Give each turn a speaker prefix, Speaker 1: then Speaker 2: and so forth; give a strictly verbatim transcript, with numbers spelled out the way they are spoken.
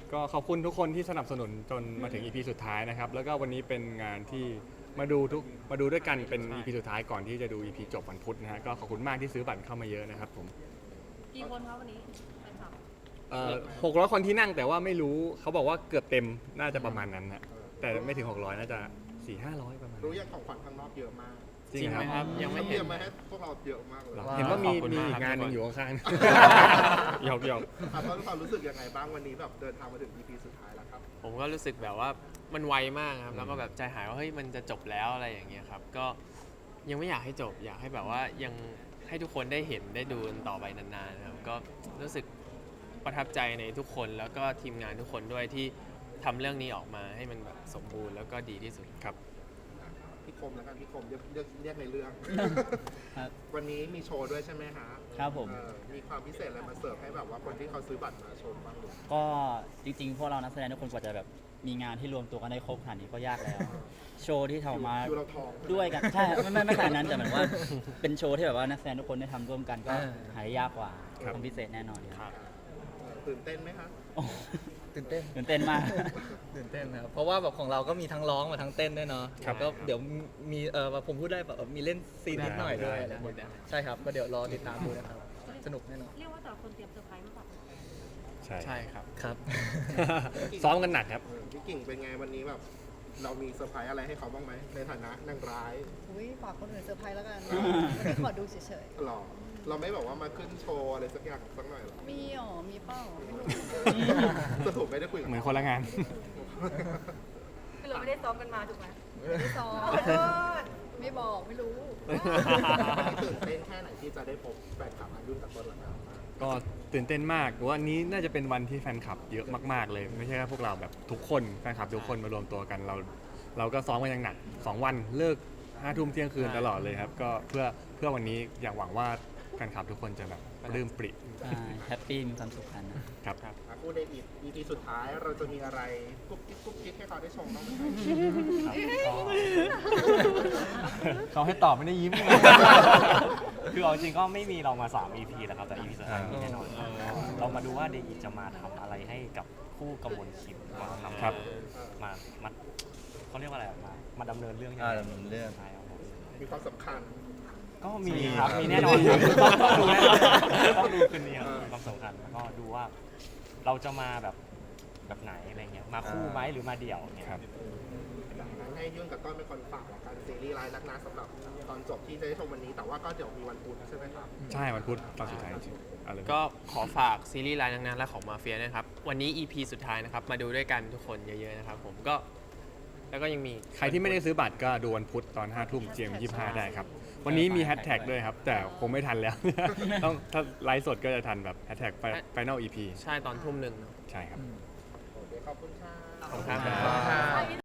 Speaker 1: ก็ขอบคุณทุกคนที่สนับสนุนจนมาถึง อี พี สุดท้ายนะครับแล้วก็วันนี้เป็นงานที่มาดูทุกมาดูด้วยกันเป็น อี พี สุดท้ายก่อนที่จะดู อี พี จบวันพุธนะฮะก็ขอบคุณมากที่ซื้อบัตรเข้ามาเยอะนะครับผม
Speaker 2: กี่คนครับวันนี้แฟนคลับ
Speaker 1: หกร้อยคนที่นั่งแต่ว่าไม่รู้เขาบอกว่าเกือบเต็มน่าจะประมาณนั้นนะแต่ไม่ถึงหกร้อยน่าจะสี่ห้าร้อยประมาณ
Speaker 3: รู้ยังของขวัญข้างนอกเยอะมาก
Speaker 1: จริงไหมครับ
Speaker 4: ยังไม่
Speaker 3: เต
Speaker 4: เห็
Speaker 3: รี
Speaker 4: น
Speaker 3: ยมมาให้พวกเราเยอะมากเลย
Speaker 1: เห็นว่ามี
Speaker 4: ขอบคุณ
Speaker 1: มี
Speaker 4: มาก
Speaker 1: อีกงานหนึงอยู่ข้างๆ หยอกหยอก
Speaker 3: อ่ะตอนความรู้สึกยังไงบ้างวันนี้แบบเดินทางมาถึง อี พี สุดท้ายแล้วครับ
Speaker 4: ผมก็รู้สึกแบบว่ามันไวมากครับแล้วก็แบบใจหายว่าเฮ้ยมันจะจบแล้วอะไรอย่างเงี้ยครับก็ยังไม่อยากให้จบอยากให้แบบว่ายังให้ทุกคนได้เห็นได้ดูกันต่อไปนานๆนะครับก็รู้สึกประทับใจในทุกคนแล้วก็ทีมงานทุกคนด้วยที่ทำเรื่องนี้ออกมาให้มันแบบสมบูรณ์แล้วก็ดีที่สุด
Speaker 1: ครับ
Speaker 3: พี่คมแล้วกันพี่คมเรียกเรียกเรียกในเรื่อง
Speaker 5: ครับ
Speaker 3: วันนี้มีโชว์ด้วยใช่ไหมฮะ
Speaker 5: ครับผม
Speaker 3: เอ่อมีความพิเศษอะไรมาเสิร์ฟให้แบบว่าคนที่เขาซื้อบัตรมาชมบ้างหรือ
Speaker 5: ก็จริงๆ พวกเรานักแสดงทุกคนกว่าจะแบบมีงานที่รวมตัวกันได้ครบขนาดนี้ก็ยากแล้ว โชว์ที่ทำออกมา
Speaker 3: คิวเราทอง
Speaker 5: ด้วยกันใช่ไม่ไม่ไม่ขนาดนั้นแต่เหมือนว่าเป็นโชว์ที่แบบว่านักแสดงทุกคนได้ทำร่วมกันก็หายยากกว่า
Speaker 1: ครับ
Speaker 5: ทำพิเศษแน่นอนครับ
Speaker 3: เอ่อตื่นเต้นไหมคะ
Speaker 5: โอ้
Speaker 6: ตื่นเต้น
Speaker 5: ตื่นเต้นมาก
Speaker 6: ตื่นเต้นนะครับเพราะว่าแบบของเราก็มีทั้งร้องมาทั้งเต้นด้วยเนาะ
Speaker 1: ครับ
Speaker 6: ก็เดี๋ยวมีเออผมพูดได้แบบมีเล่นซีนนิดหน่อยด้วย
Speaker 1: ได้
Speaker 6: นะ
Speaker 4: ได้
Speaker 6: ใช่ครับก็เดี๋ยวรอติดตามดูนะครับสนุกแน่นอน
Speaker 2: เรียกว่าแต่ละคนเตรียมเซอร์ไพรส์มาฝากแฟน
Speaker 1: ใช่
Speaker 4: ใช่ครับ
Speaker 6: ครับ
Speaker 1: ซ้อมกันหนักครับ
Speaker 3: เออพี่กิ่งเป็นไงวันนี้แบบเรามีเซอร์ไพรส์อะไรให้เขาบ้างไหมในฐานะนางร้าย
Speaker 7: อุ้ยฝากคนอื่นเซอร์ไพรส์แล้วกัน วันนี้ขอดูเฉย
Speaker 3: หรอเราไม่แบบว่ามาขึ้นโชว์อะไรสักอย่างสักหน่อยหรอ
Speaker 7: ๆ มีอ๋อมีเป้าไม่รู้
Speaker 3: สรุปไม่ได้คุยกับ
Speaker 1: เหมือนคนละงาน
Speaker 2: ๆคือเราไม่ได้ซ้อมกันมาถูกไหม
Speaker 7: ไม่ซ้อม
Speaker 2: ขอโทษ
Speaker 7: ไม่บอกไม่รู้
Speaker 3: วันนี้ตื่นเต้นแค่ไหนที่จะได้พบแฟนคลับอายุกับต้นละครับ
Speaker 1: ก็ตื่นเต้นมากวันนี้น่าจะเป็นวันที่แฟนคลับเยอะมากๆเลย ไม่ใช่แค่พวกเราแบบทุกคนแฟนคลับทุกคนมารวมตัวกันเรา เราก็ซ้อมกันอย่างหนักสองวันเลิกห้าทุ่มเที่ยงคืนตลอดเลยครับก็เพื่อเพื่อวันนี้อยากหวังว่าแฟนคลับทุกคนจะแบบปลื้มปริ
Speaker 5: แฮปปี้มีความสุขกันนะครับ
Speaker 1: ครับ
Speaker 3: อ่ะพูดในอีพี สุดท้ายเราจะมีอะไรกุ๊กกิ๊กกุ๊กกิ๊กให้เขาได้ชมบ้างไหม
Speaker 8: เขาให้ตอบไม่ได้ยิ้ม คือเอาจริงก็ไม่มีเรามาสาม อี พี แล้วครับแต่ อี พี สุดท้ายมีแน่นอนเรามาดูว่าเดอีจะมาทำอะไรให้กับคู่กมลคิมมาทำ
Speaker 1: ครับ
Speaker 8: มามาเขาเรียกว่าอะไรอะมามาดำเนินเรื่องยัง
Speaker 6: อ่า
Speaker 8: ไง
Speaker 6: ดำเนินเรื่อง
Speaker 8: ใช่ครับผม
Speaker 3: มีความสำคัญ
Speaker 8: ก็มีครับมีแน่นอนครับต้องดูแน่นอนต้องดูคืนนี้ครับมีความสำคัญแล้วก็ดูว่าเราจะมาแบบแบบไหนอะไรเงี้ยมาคู่ไหมหรือมาเดี่ยวเนี่ย
Speaker 1: ครับ
Speaker 3: ให้ยุ่นกับต้นเป็นคนฝากละกันซีรีส์รายนักนาสำหรับตอนจบที่จะได้ชมวันนี้ แต่ว่าก็เดี๋ยวมีวันพุธใช่ไหมครับ
Speaker 1: ใช่วันพุธตอนสุดท้ายจริงๆเอาเลย
Speaker 4: ก็ขอฝากซีรีส์รายนางๆและของมาเฟียนะครับวันนี้ อี พี สุดท้ายนะครับมาดูด้วยกันทุกคนเยอะๆนะครับผมก็แล้วก็ยังมี
Speaker 1: ใครที่ไม่ได้ซื้อบัตรก็ดูวันพุธตอนห้าทุ่มเจียมยี่ห้าได้ครับ วันนี้มีแฮชแท็กด้วยครับ แต่คงไม่ทันแล้ว ต้องถ้าไลฟ์สดก็จะทันแบบแฮชแท็ก Final อี พี
Speaker 4: ใช่ตอนทุ่มหนึ่งเนอะ
Speaker 1: ใช่ครับ
Speaker 3: โอเคขอบคุณค่ะ
Speaker 4: ขอบคุณครับ
Speaker 5: ขอบคุณครับ